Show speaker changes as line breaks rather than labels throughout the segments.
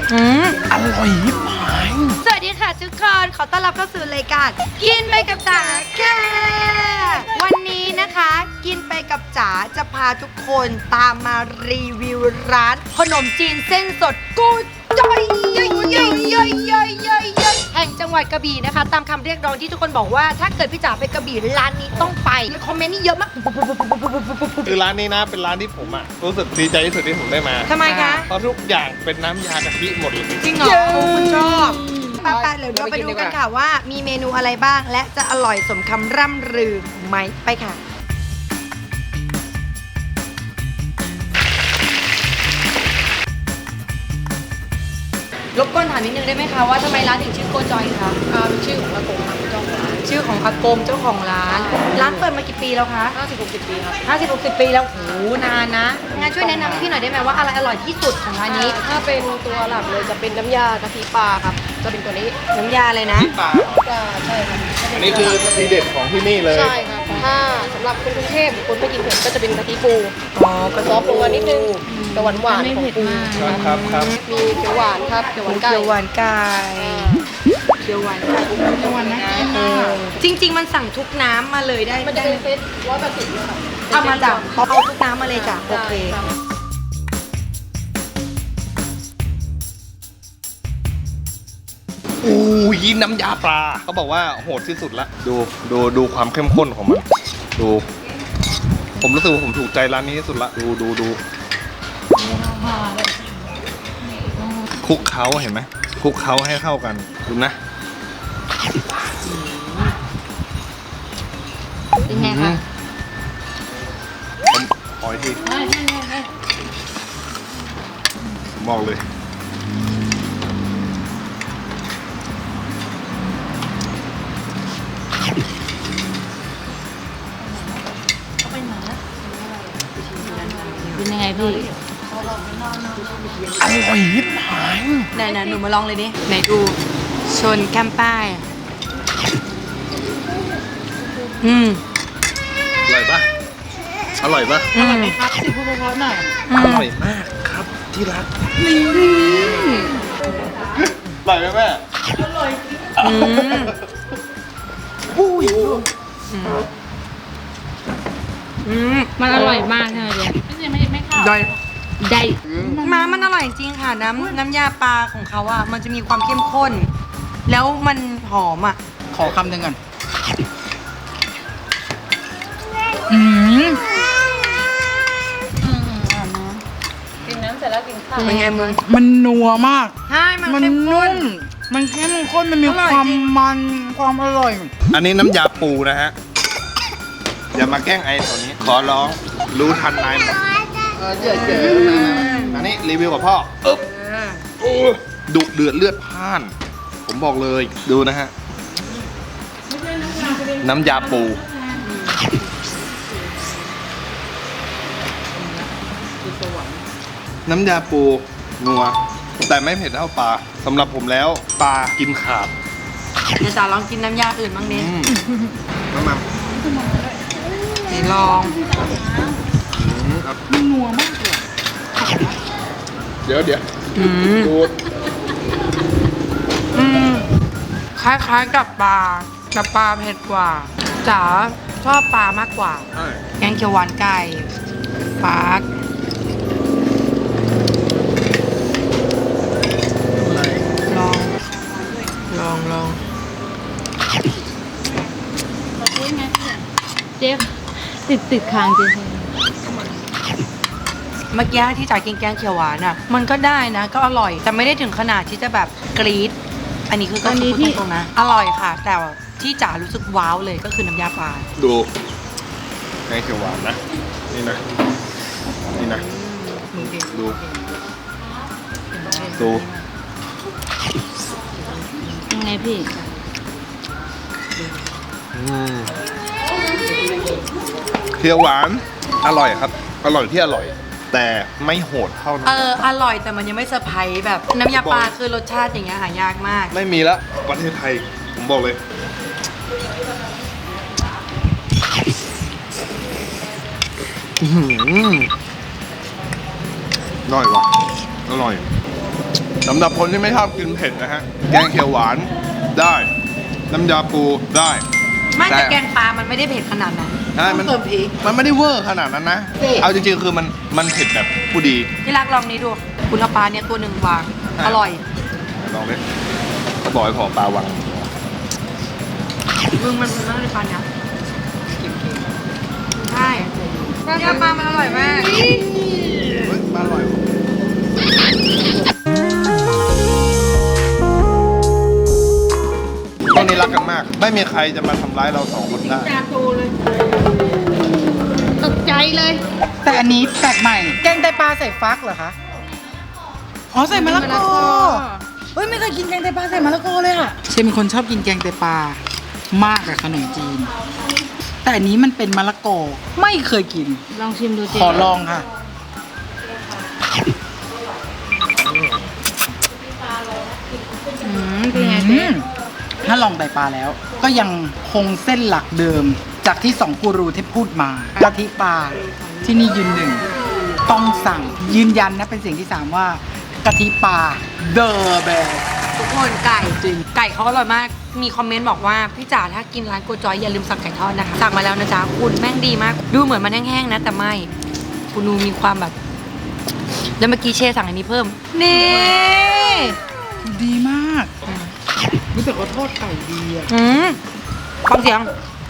อร่อยยิบหาย
สวัสดีค่ะทุกคนขอต้อนรับเข้าสู่รายการกินไปกับจ๋าค่ะวันนี้นะคะกินไปกับจ๋าจะพาทุกคนตามมารีวิวร้านขนมจีนเส้นสดกูจ้อยแห่งจังหวัดกระบี่นะคะตามคำเรียกร้องที่ทุกคนบอกว่าถ้าเกิดพี่จ๋าไปกระบี่ร้านนี้ต้องไปคอมเมนต์นี่เยอะมาก
คือร้านนี้นะเป็นร้านที่ผมรู้สึกดีใจที่สุดที่ผมได้มา
ทำไมคะ
เพราะทุกอย่างเป็นน้ำยากะทิหมดเลย
จริงเหรอคุณชอบไปเดี๋ยวเราไปดูกันค่ะว่ามีเมนูอะไรบ้างและจะอร่อยสมคำร่ำลือไหมไปค่ะรบกวนถามนิดนึงได้ไหมคะว่าทำไมร้านถึงชื่อโกจอยคะ
เป็นชื่อของอากงครับเจ้าของร้าน
ชื่อของอากงเจ้าของร้านร้านเปิดมากี่ปีแล้วคะ
50-60 ปีครับ
50-60 ปีแล้วโหนานนะงั้นช่วยแนะนำให้พี่หน่อยได้ไหมว่าอะไรอร่อยที่สุดของร้านนี้
ถ้าเป็นตัวหลักเลยจะเป็นน้ำยากะทิปลาครับจะเป็นตัวนี้
น้ำยาเลยนะ
ปลา
ปลาใช่ครับ
อันนี้คือทีเด็ดของที่นี่เลย
ใช่ครับถ้าสำหรับคนกรุงเทพหรือคนไม่กินเผ็ดก็จะเป็นกะทิปู
อ๋อกระ
ซอฟต์ลงมานิดนึงแต่หวานของปู
ครับ
มีเขียวหวานครับเขียวหวานไก่
เขียวหวานไก่เขียวหวานไก่เขียวหวานนะจริงๆมันสั่งทุกน้ำมาเลยได้
มันจะเป็นเซต180เลยครับ
เอามาจ้ะเอาทุกน้ำมาเลยจ้ะโอเค
อู้ยน้ำยาปลาเขาบอกว่าโหดที่สุดละดูความเข้มข้นของมันดูผมรู้สึกว่าผมถูกใจร้านนี้ที่สุดละดูคลุกเคล้าเห็นไหมคลุกเคล้าให้เข้ากันดูนะ
เป็นไงคะ
ผมขออีกทีผมบอกเลย
เป็นยังไงพี่
อร่อยยิบหาย
ไหนหนูมาลองเลยดิไหนดูชนแก้มป้าย
อร่อยปะอร่อยปะ
อร่อยไหม
ครับสิพูดเพราะๆหน่อย
อร่อยมากครับที่รักอร่อยไหมแม่อุ้ย
มันอร่อยมากใช่ไหมเจ๊ไม่ข้าว
ได้
ได้
มันอร่อยจริงค่ะน้ำยาปลาของเขาอ่ะมันจะมีความเข้มข้น แล้วมันหอมอ่ะ
ขอคำหนึ่งก่อน
กินน้ำเสร็จแล้วกินข้าว
เป็นไงมึง
มันนัวมาก
ใช่มัน
มัน
เข้มข้
นุ่
น
มมันเข้มข้น มันมี
อร่อย
ความ
จริง
มันความอร่อย
อันนี้น้ำยาปูนะฮะอย่ามาแกล้งไอ้แถวนี้ขอร้องรู้ทันนายหมดอันนี้รีวิวกับพ่อดุเดือดเลือดพล่าน ผมบอกเลยดูนะฮะน้ำยาปูน้ำยาปูนัวแต่ไม่เผ็ดเท่าปลาสำหรับผมแล้วปลากินขาด
เดี๋ยวจ๋าลองกินน้ำยาอื่นบ้างดิ
น้ำมัน
ไหนลอง
มันนัวมากเลย
เดี๋ยวดู
คล้ายๆกับปลาแต่ปลาเผ็ดกว่าจ๋าชอบปลามากกว่า
ใช่
แกงเขียวหวานไก่ฟากลอง
เจ๊ติดค้างเจ๊
เมื่อกี้ที่จ๋ากินแกงเขียวหวานอ่ะ มันก็ได้นะ ก็อร่อย แต่ไม่ได้ถึงขนาดที่จะแบบกรี๊ดอันนี้คือก็พูดตรงๆนะ อร่อยค่ะ แต่ที่จ๋ารู้สึกว้าวเลยก็คือน้ำยาปลา
ดูแกงเขียวหวานนะนี่นะดู
ยังไงพี่
เขียวหวานอร่อยครับ อร่อยที่อร่อย แต่ไม่โหดเท่านั้น
อร่อยแต่มันยังไม่เซอร์ไพรส์แบบน้ำยาปลาคือรสชาติอย่างเงี้ยหายากมาก
ไม่มีละประเทศไทยผมบอกเลย อร่อยว่ะอร่อยสำหรับคนที่ไม่ชอบกินเผ็ดนะฮะ แกงเขียวหวานได้ น้ำยาปูได้
ไม่แต่แกงปลามันไม่ได้เผ็ดขนาดนั้น
ใช่มัน
เติมพริก
มันไม่ได้เวอร์ขนาดนั้นนะ
เผ็ด
เอาจริงๆคือมันเผ็ดแบบผู้ดี
ที่รักลองนี้ดู คุณเอาปลาเนี่ยตัวหนึ่งวาง อร่อย
ลองดิเขาบอกให้ขอปลาวัง
มึงมันน่าจะปลาเนี่ยใช่เนี่ยปลามันอร่อยมาก
เฮ้ยปลาอร่อยตอนนี้รักกันมาก ไม่มีใครจะมาทำร้ายเราสองคนได้
ตกใจเลย
แต่อันนี้แปลกใหม่ แกงไตปลาใส่ฟักเหรอคะ อ๋อใส่มะละกอ เฮ้ยไม่เคยกินแกงไตปลาใส่มะละกอเลยอะเชมเป็นคนชอบกินแกงไตปลามากกับขนมจีน แต่อันนี้มันเป็นมะละกอ ไม่เคยกิน
ลองชิมดูเจ
ขอลองค่ะ
เป็นไง
อื
เจ๊
มถ้าลองไตปลาแล้ว ก็ยังคงเส้นหลักเดิม จากที่2กูรูที่พูดมากะทิปลาที่นี่ยืนหนึ่งต้องสั่งยืนยันนะเป็นเสียงที่3ว่ากะทิปลา The Best
ทุกคนไก่
จริง
ไก่เขาอร่อยมาก มีคอมเมนต์บอกว่าพี่จ๋าถ้ากินร้านโกจอยอย่าลืมสั่งไก่ทอดนะคะ สั่งมาแล้วนะจ๊ะคุณแม่งดีมาก ดูเหมือนมันแห้งๆนะ แต่ไม่คุณดูมีความแบบ แล้วเมื่อกี้เช่สั่งอันนี้เพิ่ม นี่
ดีมากรู้สึกว่าทอดไก่ดีอะ
ฟังเสียง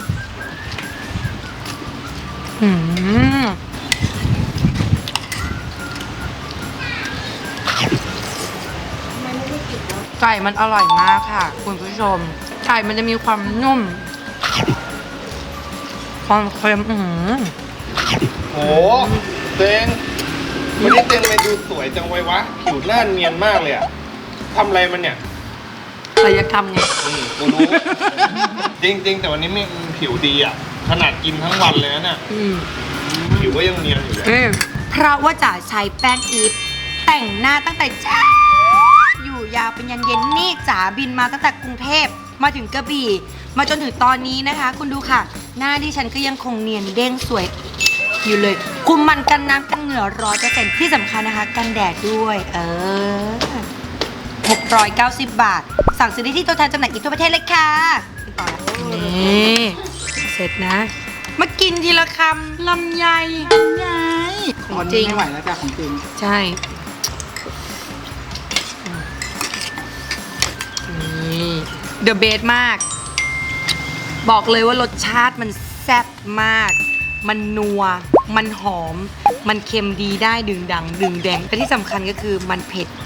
ไก่มันอร่อยมากค่ะ คุณผู้ชม ไก่มันจะมีความนุ่ม ความเค็ม
โหเต็งวันนี้เต็งเลยดูสวยจังไว้วะ ผิวหน้าเนียนมากเลยอะทำอะไรมันเนี่ย
ศัลยกรรมไง
กูรู้ จริงๆ แต่วันนี้มีผิวดีอะขนาดกินทั้งวันเลยนะเนี่ยผิวก็ยังเนียนอยู่เลย
เพราะว่าจ๋าใช้แป้งอีฟแต่งหน้าตั้งแต่เช้าอยู่ยาวเป็นยันเย็นนี่จ๋าบินมาตั้งแต่กรุงเทพมาถึงกระบี่ มาจนถึงตอนนี้นะคะ คุณดูค่ะ หน้าที่ฉันก็ยังคงเนียนเด้งสวยอยู่เลย คุมมันกันน้ำกันเหงื่อ100%ที่สำคัญนะคะ กันแดดด้วย 690 บาท สั่งซื้อได้ที่ตัวแทนจำหน่ายอีกทั่วประเทศเลยค่ะติดต่อแล้วนี่เสร็จนะ มากินทีละคำลำไย
ไง
ของจริง
ไม่ไหวแล้วจ้ะของจริง
ใช่นี่เดอะเบสมาก บอกเลยว่ารสชาติมันแซ่บมาก มันนัว มันหอม มันเค็มดีได้ดึงดัง ดึงแดง แต่ที่สำคัญก็คือมันเผ็ด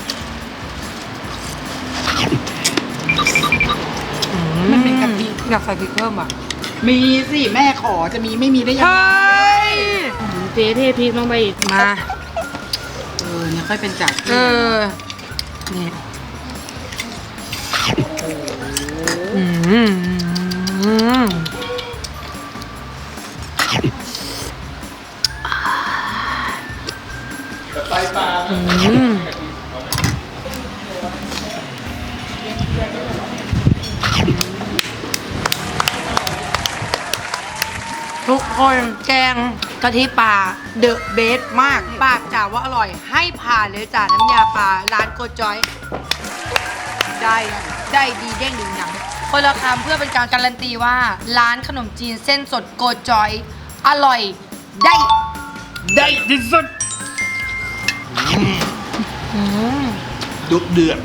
มันเป็นกะทิ
อยากใส่พริกเพิ่มอ่ะ
มีสิแม่ขอจะมีไม่มีได้ยังไง
เจ๊เทพริกลงไปอีก
มา
เนี่ยค่อยเป็นจัด
นี่ทุกคนแกงกะทิปลาเดอะเบสมาก ปากจ๋าว่าอร่อย ให้ผ่านเลยจ้าน้ำยาปลาร้านโกจอย ได้ดีเด้งดึงดังคนละคำเพื่อเป็นการการันตีว่า ร้านขนมจีนเส้นสดโกจอย อร่อยได้ที่สุด
ดุเดือด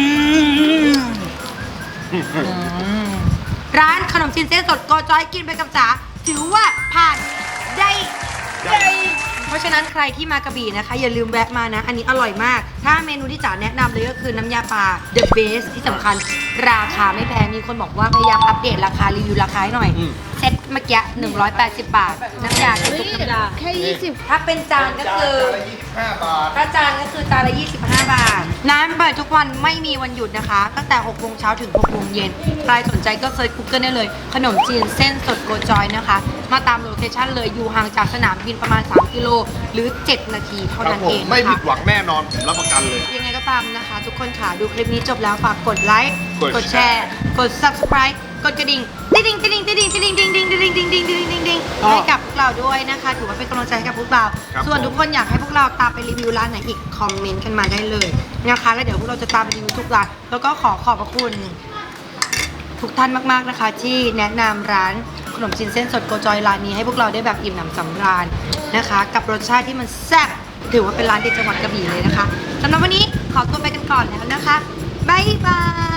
ร้านขนมจีนเส้นสดโกจอยกินไปกับจ๋าถือว่าผ่านได้เพราะฉะนั้นใครที่มากระบี่นะคะ อย่าลืมแวะมานะ อันนี้อร่อยมาก ถ้าเมนูที่จ๋าแนะนำเลยก็คือน้ำยาปลา The Best ที่สำคัญราคาไม่แพงมีคนบอกว่าพยายามอัปเดตราคารีวิวราคาให้หน่อย เซ็ตเมื่อกี้180 บาท น้ำยาคือทุกน้ำยา
แค่20
ถ้าเป็นจานก็คือ
25 บาท
ถ้าจานก็คือจานละ 25 บาท ร้านเปิดทุกวันไม่มีวันหยุดนะคะ ตั้งแต่ 6 โมงเช้าถึง 6 โมงเย็น ใครสนใจก็เซิร์ช Google ได้เลย ขนมจีนเส้นสดโกจอยนะคะ มาตามโลเคชั่นเลย อยู่ห่างจากสนามบินประมาณ 3 กิโล หรือ 7 นาทีเท่า
ครับ
นั้น
ผ
เอ
ม
ง
ไม่
นะ
ผิ
คะ
ดหวังแน่นอน ผมรับประกันเลย
ยังไงก็ตามนะคะ ทุกคนค่ะ ดูคลิปนี้จบแล้วฝากกดไลค์
กด
กดแชร์ กด subscribe กดกระดิ่งติ๊งติ๊งติ๊งติ๊งติ๊งติ๊งติ๊งติ๊งติ๊งติ๊งติ๊งติ๊งติ๊งติ๊งให้กับพวกเราด้วยนะคะถือว่าเป็นกำลังใจให้กับพวกเราส่วนทุกคนอยากให้พวกเราตามไปรีวิวร้านไหนอีกคอมเมนต์กันมาได้เลยนะคะแล้วเดี๋ยวพวกเราจะตามไปรีวิวทุกร้านแล้วก็ขอขอบพระคุณทุกท่านมากๆนะคะที่แนะนำร้านขนมจีนเส้นสดโกจอยร้านนี้ให้พวกเราได้แบบอิ่มหนำสำราญนะคะกับรสชาติที่มันแซ่บถือว่าเป็นร้านเด็ดจังหวัดกระบี่เลยนะคะสำหรับวันนี้ขอตัวไปกันก่อนแล้วนะคะบ๊ายบาย